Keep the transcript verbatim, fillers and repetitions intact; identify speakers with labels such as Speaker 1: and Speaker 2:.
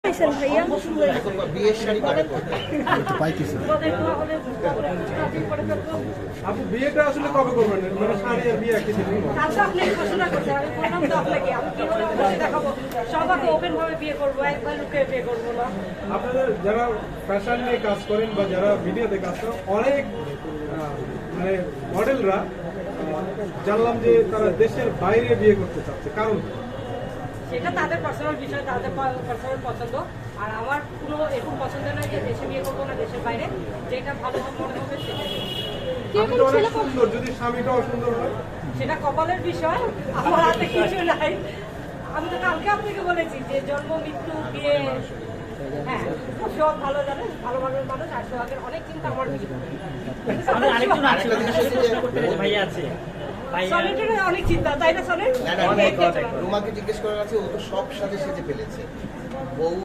Speaker 1: ভাইয়া
Speaker 2: বিয়ের শাড়ি কবে করবেন?
Speaker 3: আপু বিয়েটা আসলে কবে করবেন? মানে শাড়ি আর বিয়ে একই দিনে?
Speaker 1: কালকে আপনি ঘোষণা করছেন, আমি বললাম তো আপনাকে আমি কি করে বসে দেখাবো, সবাইকে ওপেন ভাবে বিয়ে করবো, একবার লুকিয়ে বিয়ে করবো না।
Speaker 3: আপনাদের যারা ফ্যাশন নিয়ে কাজ করেন বা যারা ভিডিওতে কাজ করেন, অনেক আহ, মানে মডেলরা জানলাম যে তারা দেশের বাইরে বিয়ে করতে চাচ্ছে, কারণ
Speaker 1: সেটা তাদের পার্সোনাল বিষয়, তাদের পার্সোনাল পছন্দ। আর আমার কোনো এরকম পছন্দ নয় যে দেশে বিয়ে করবো না দেশের বাইরে, যেটা ভালো মনে হবে সেটা।
Speaker 3: আপনি তো অনেক সুন্দর, যদি স্বামীটাও সুন্দর হয়
Speaker 1: সেটা কপালের বিষয়, আমার হাতে কিছু নাই। আমি তো কালকে আপনাকে বলেছি যে জন্ম মৃত্যু বিয়ে, হ্যাঁ সব ভালো জানে, ভালো ভালো মানুষ। আর সোহাগের অনেক চিন্তা আমার
Speaker 4: আরেকজন আছে ভাইয়া আছে
Speaker 1: সনেটের অনেক চিন্তা, তাই না সনেট?
Speaker 2: রুমাকে জিজ্ঞেস করার আছে, ও তো সব সাথে সেজে ফেলেছে বউ।